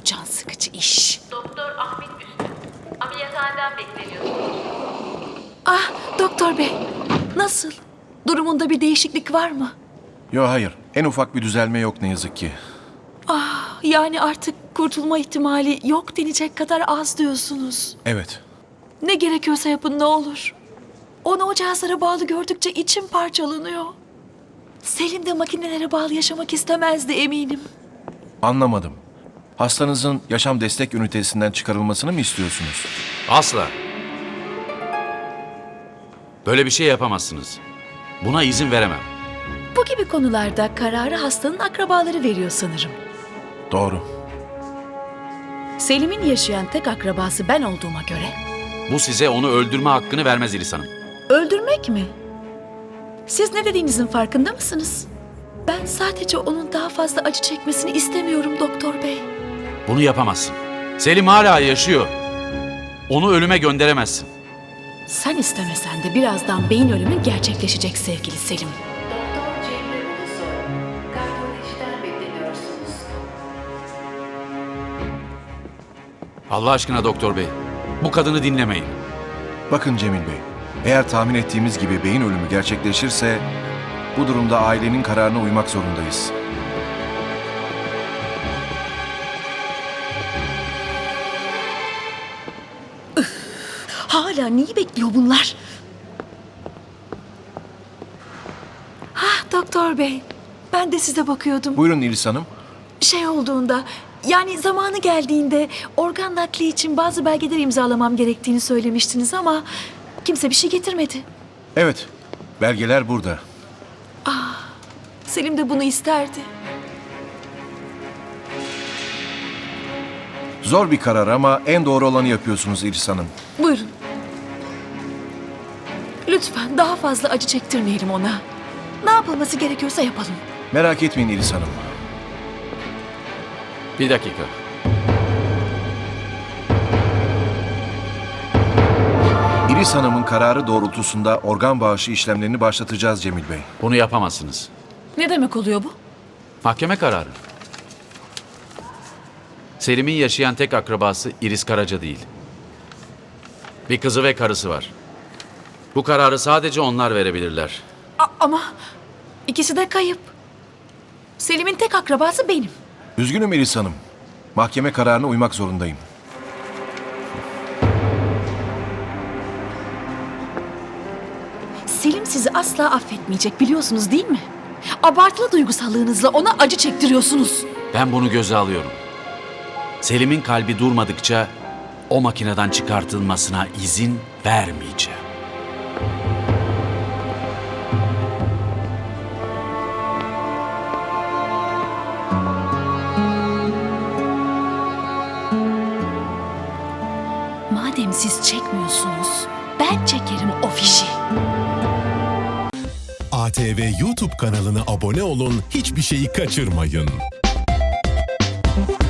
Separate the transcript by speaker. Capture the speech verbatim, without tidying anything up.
Speaker 1: can sıkıcı iş.
Speaker 2: Doktor Ahmet Üstün. Ameliyathaneden bekleniyorsunuz.
Speaker 1: Ah doktor bey, nasıl? Durumunda bir değişiklik var mı?
Speaker 3: Yok hayır. En ufak bir düzelme yok ne yazık ki.
Speaker 1: Ah yani artık kurtulma ihtimali yok denecek kadar az diyorsunuz.
Speaker 3: Evet.
Speaker 1: Ne gerekiyorsa yapın ne olur. Onu o cihazlara bağlı gördükçe içim parçalanıyor. Selim de makinelere bağlı yaşamak istemezdi eminim.
Speaker 3: Anlamadım. Hastanızın yaşam destek ünitesinden çıkarılmasını mı istiyorsunuz?
Speaker 4: Asla. Böyle bir şey yapamazsınız. Buna izin veremem.
Speaker 1: Bu gibi konularda kararı hastanın akrabaları veriyor sanırım.
Speaker 3: Doğru.
Speaker 1: Selim'in yaşayan tek akrabası ben olduğuma göre.
Speaker 4: Bu size onu öldürme hakkını vermez İlis Hanım.
Speaker 1: Öldürmek mi? Siz ne dediğinizin farkında mısınız? Ben sadece onun daha fazla acı çekmesini istemiyorum doktor bey.
Speaker 4: Bunu yapamazsın. Selim hala yaşıyor. Onu ölüme gönderemezsin.
Speaker 1: Sen istemesen de birazdan beyin ölümü gerçekleşecek sevgili Selim.
Speaker 2: Doktor Cemre Ulusoy. Kardiyolojiden bekleniyorsunuz.
Speaker 4: Allah aşkına doktor bey, bu kadını dinlemeyin.
Speaker 3: Bakın Cemil Bey, eğer tahmin ettiğimiz gibi beyin ölümü gerçekleşirse bu durumda ailenin kararına uymak zorundayız.
Speaker 1: Hala neyi bekliyor bunlar? Ah doktor bey, ben de size bakıyordum.
Speaker 3: Buyurun İlis Hanım.
Speaker 1: Şey olduğunda, yani zamanı geldiğinde organ nakli için bazı belgeler imzalamam gerektiğini söylemiştiniz ama kimse bir şey getirmedi.
Speaker 3: Evet, belgeler burada.
Speaker 1: Selim de bunu isterdi.
Speaker 3: Zor bir karar ama en doğru olanı yapıyorsunuz İlis Hanım.
Speaker 1: Buyurun. Lütfen daha fazla acı çektirmeyelim ona. Ne yapılması gerekiyorsa yapalım.
Speaker 3: Merak etmeyin İlis Hanım.
Speaker 4: Bir dakika.
Speaker 3: İlis Hanım'ın kararı doğrultusunda organ bağışı işlemlerini başlatacağız Cemil Bey.
Speaker 4: Bunu yapamazsınız.
Speaker 1: Ne demek oluyor bu?
Speaker 4: Mahkeme kararı. Selim'in yaşayan tek akrabası İris Karaca değil. Bir kızı ve karısı var. Bu kararı sadece onlar verebilirler.
Speaker 1: A- ama ikisi de kayıp. Selim'in tek akrabası benim.
Speaker 3: Üzgünüm İlis Hanım. Mahkeme kararına uymak zorundayım.
Speaker 1: Selim sizi asla affetmeyecek biliyorsunuz değil mi? Abartılı duygusallığınızla ona acı çektiriyorsunuz.
Speaker 4: Ben bunu göze alıyorum. Selim'in kalbi durmadıkça o makineden çıkartılmasına izin vermeyeceğim.
Speaker 1: Madem siz çekmiyorsunuz, ben çekerim o fişi.
Speaker 5: A T V YouTube kanalına abone olun, hiçbir şeyi kaçırmayın.